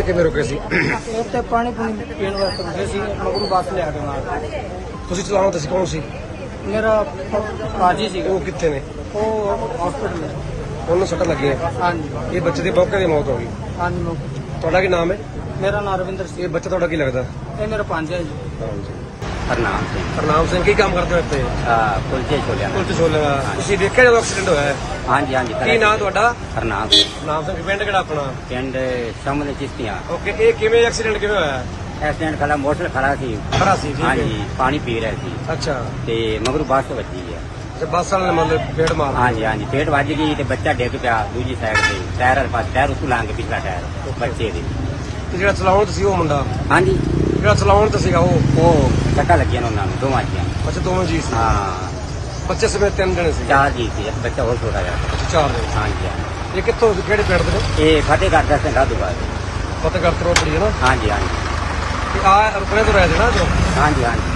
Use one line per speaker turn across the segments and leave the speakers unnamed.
ਕਿਵੇਂ ਰੁਕੇ ਸੀ?
ਇੱਥੇ ਪਾਣੀ ਪੀਣ ਵਾਸਤੇ ਰੁਕੇ ਸੀ, ਮਗਰੋਂ ਬੱਸ ਲਿਆ ਕੇ ਨਾਲ।
ਤੁਸੀਂ ਚਲਾਉਣ ਤੁਸੀਂ ਕੌਣ ਸੀ?
ਮੇਰਾ ਕਾਜੀ ਸੀ,
ਉਹ ਕਿੱਥੇ ਨੇ?
ਉਹ ਹਸਪੀਟਲ।
ਉਹਨੂੰ ਸੱਟ ਲੱਗੀ ਹੈ।
ਹਾਂਜੀ
ਇਹ ਬੱਚੇ ਦੀ ਮੌਕੇ ਦੀ ਮੌਤ ਹੋ ਗਈ।
ਹਾਂਜੀ
ਤੁਹਾਡਾ ਕੀ ਨਾਮ ਹੈ?
ਮੇਰਾ ਨਾਮ ਰਵਿੰਦਰ ਸਿੰਘ।
ਇਹ ਬੱਚਾ ਤੁਹਾਡਾ ਕੀ ਲੱਗਦਾ?
ਇਹ ਮੇਰਾ ਪੰਜ ਹੈ ਜੀ।
ਹਰਨਾਮ ਸਿੰਘ
ਹਰਨਾਮ ਸਿੰਘ ਕੀ ਕੰਮ ਕਰਦੇ ਹੋ ਇੱਥੇ?
ਕੁਲਚੇ ਛੋਲਿਆਂ ਦਾ।
ਪੁਲਿਸ ਛੋਲੇ ਦਾ। ਤੁਸੀਂ ਦੇਖਿਆ ਜਦੋਂ ਐਕਸੀਡੈਂਟ ਹੋਇਆ ਹੈ?
ਹਾਂਜੀ ਹਾਂਜੀ
ਕੀ ਨਾਮ ਤੁਹਾਡਾ?
ਹਰਨਾਮ ਸਿੰਘ
ਨਾਮ ਸਿੰਘ ਪਿੰਡ ਕਿਹੜਾ ਆਪਣਾ?
ਪਿੰਡ ਸਾਹਮਣੇ ਚਿਸ਼ਤੀਆਂ।
ਓਕੇ, ਇਹ ਕਿਵੇਂ ਐਕਸੀਡੈਂਟ ਕਿਵੇਂ ਹੋਇਆ?
ਐਕਸੀਡੈਂਟ ਖੜਾ ਮੋਟਰਸਾਈਕਲ ਖੜਾ ਸੀ।
ਖੜਾ ਸੀ, ਠੀਕ ਹੈ।
ਹਾਂਜੀ ਪਾਣੀ ਪੀ ਰਿਹਾ ਸੀ
ਅੱਛਾ,
ਤੇ ਮਗਰੋਂ ਬੱਸ ਵੱਜੀ ਹੈ।
ਤੇ ਬੱਸ ਵਾਲੇ ਨੇ ਮਤਲਬ ਫੇੜ ਮਾਰ
ਹਾਂਜੀ ਹਾਂਜੀ ਪੇਟ ਵੱਜ ਗਈ ਤੇ ਬੱਚਾ ਡਿੱਗ ਪਿਆ ਦੂਜੀ ਸਾਈਡ ਤੇ ਟਾਇਰ ਵਾਲੇ ਪਾਸੇ, ਟਾਇਰ ਉੱਤੋਂ ਲੰਘ ਕੇ ਪਿਛਲਾ ਟਾਇਰ ਬੱਚੇ ਦੇ।
ਤੇ ਜਿਹੜਾ ਚਲਾਉਣ ਤੁਸੀਂ ਉਹ ਮੁੰਡਾ
ਹਾਂਜੀ
ਜਿਹੜਾ ਚਲਾਉਣ ਤੇ ਸੀਗਾ
ਉਹ ਸੱਟਾਂ ਲੱਗੀਆਂ ਨੇ ਉਹਨਾਂ ਨੂੰ ਦੋਵਾਂ ਜੀਆਂ।
ਅੱਛਾ, ਦੋਵੇਂ ਜੀ ਸੀ।
ਹਾਂ
ਬੱਚੇ ਸਮੇਤ 3 ਜਣੇ ਸੀ।
4 ਜੀ ਸੀ, ਇੱਕ ਬੱਚਾ ਹੋਰ ਛੋਟਾ ਜਿਹਾ।
ਅੱਛਾ, 4 ਜਣੇ।
ਹਾਂਜੀ ਹਾਂਜੀ
ਇਹ ਕਿੱਥੋਂ ਕਿਹੜੇ ਪਿੰਡ ਦੇ ਨੇ?
ਇਹ ਫਤਿਹਗੜ੍ਹ ਦਾ ਸਿੰਘ ਦੁਬਾਰਾ।
ਫਤਿਹਗੜ੍ਹ ਤੋਂ ਰੋਪੜੀ ਹੈ ਨਾ?
ਹਾਂਜੀ ਹਾਂਜੀ
ਤੇ ਆ ਰੁਕਣੇ ਤੋਂ ਰਹਿ ਦੇਣਾ ਜੋ
ਹਾਂਜੀ ਹਾਂਜੀ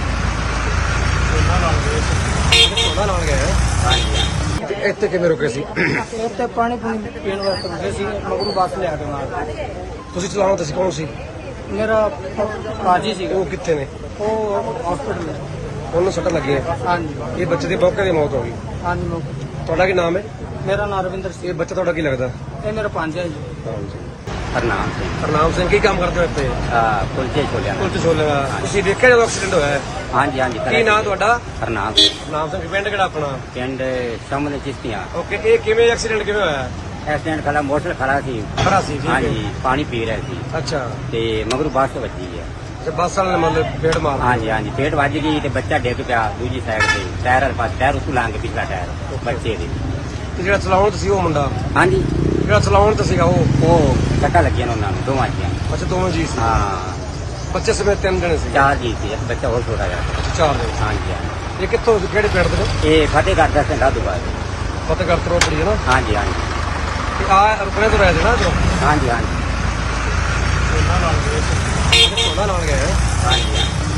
ਸੋਨਾ ਨਾਲ ਗਏ ਹੈ।
ਹਾਂਜੀ
ਤੇ ਇੱਥੇ ਕਿਵੇਂ ਰੁਕੇ ਸੀ?
ਇੱਥੇ ਪਾਣੀ ਪੀਣ ਵਾਸਤੇ ਰੁਕੇ ਸੀ, ਮਗਰੋਂ ਬੱਸ ਲਿਆ ਕੇ ਨਾਲ।
ਤੁਸੀਂ ਚਲਾਉਣ ਤੁਸੀਂ ਕੌਣ ਸੀ?
ਮੇਰਾ ਕਾਜੀ ਸੀ,
ਉਹ ਕਿੱਥੇ ਨੇ?
ਉਹ ਹਸਪੀਟਲ।
ਉਹਨੂੰ ਸੱਟ ਲੱਗੀ ਹੈ।
ਹਾਂਜੀ
ਇਹ ਬੱਚੇ ਦੀ ਮੌਕੇ ਦੀ ਮੌਤ ਹੋ ਗਈ।
ਹਾਂਜੀ
ਤੁਹਾਡਾ ਕੀ ਨਾਮ ਹੈ?
ਮੇਰਾ ਨਾਮ ਰਵਿੰਦਰ ਸਿੰਘ।
ਇਹ ਬੱਚਾ ਤੁਹਾਡਾ ਕੀ ਲੱਗਦਾ?
ਇਹ ਮੇਰਾ ਪੰਜ ਹੈ ਜੀ।
ਹਰਨਾਮ ਸਿੰਘ
ਹਰਨਾਮ ਸਿੰਘ ਕੀ ਕੰਮ ਕਰਦੇ ਹੋ ਇੱਥੇ?
ਕੁਲਚੇ ਛੋਲਿਆਂ ਦਾ।
ਪੁਲਿਸ ਛੋਲੇ ਦਾ। ਤੁਸੀਂ ਦੇਖਿਆ ਜਦੋਂ ਐਕਸੀਡੈਂਟ ਹੋਇਆ ਹੈ?
ਹਾਂਜੀ ਹਾਂਜੀ
ਕੀ ਨਾਮ ਤੁਹਾਡਾ?
ਹਰਨਾਮ ਸਿੰਘ
ਨਾਮ ਸਿੰਘ ਪਿੰਡ ਕਿਹੜਾ ਆਪਣਾ?
ਪਿੰਡ ਸਾਹਮਣੇ ਚਿਸ਼ਤੀਆਂ।
ਓਕੇ, ਇਹ ਕਿਵੇਂ ਐਕਸੀਡੈਂਟ ਕਿਵੇਂ ਹੋਇਆ?
ਐਕਸੀਡੈਂਟ ਖੜਾ ਮੋਟਰਸਾਈਕਲ ਖੜਾ ਸੀ।
ਖੜਾ ਸੀ, ਠੀਕ ਹੈ।
ਹਾਂਜੀ ਪਾਣੀ ਪੀ ਰਿਹਾ ਸੀ
ਅੱਛਾ,
ਤੇ ਮਗਰੋਂ ਬੱਸ ਵੱਜੀ ਹੈ।
ਤੇ ਬੱਸ ਵਾਲੇ ਨੇ ਮਤਲਬ ਫੇੜ ਮਾਰ
ਹਾਂਜੀ ਹਾਂਜੀ ਪੇਟ ਵੱਜ ਗਈ ਤੇ ਬੱਚਾ ਡਿੱਗ ਪਿਆ ਦੂਜੀ ਸਾਈਡ ਤੇ ਟਾਇਰ ਵਾਲੇ ਪਾਸੇ, ਟਾਇਰ ਉੱਤੋਂ ਲੰਘ ਕੇ ਪਿਛਲਾ ਟਾਇਰ ਬੱਚੇ ਦੇ।
ਤੇ ਜਿਹੜਾ ਚਲਾਉਣ ਤੁਸੀਂ ਉਹ ਮੁੰਡਾ
ਹਾਂਜੀ
ਜਿਹੜਾ ਚਲਾਉਣ ਤੇ ਸੀਗਾ
ਉਹ ਸੱਟਾਂ ਲੱਗੀਆਂ ਨੇ ਉਹਨਾਂ ਨੂੰ ਦੋਵਾਂ ਜੀਆਂ।
ਅੱਛਾ, ਦੋਵੇਂ ਜੀ ਸੀ।
ਹਾਂ
ਬੱਚੇ ਸਮੇਤ 3 ਜਣੇ ਸੀ।
4 ਜੀ ਸੀ, ਇੱਕ ਬੱਚਾ ਹੋਰ ਛੋਟਾ ਜਿਹਾ।
ਅੱਛਾ, 4 ਜਣੇ।
ਹਾਂਜੀ ਹਾਂਜੀ
ਇਹ ਕਿੱਥੋਂ ਕਿਹੜੇ ਪਿੰਡ ਦੇ ਨੇ? ਇਹ
ਫਤਿਹਗੜ੍ਹ ਦਾ ਸਿੰਘ ਦੁਬਾਰਾ।
ਫਤਿਹਗੜ੍ਹ ਤੋਂ ਰੋਪੜੀ ਹੈ ਨਾ?
ਹਾਂਜੀ ਹਾਂਜੀ
ਤੇ ਆ ਰੁਕਣੇ ਤੋਂ ਰਹਿ ਦੇਣਾ ਜੋ
ਹਾਂਜੀ ਹਾਂਜੀ
ਸੋਨਾ ਨਾਲ ਗਏ ਹੈ।
ਹਾਂਜੀ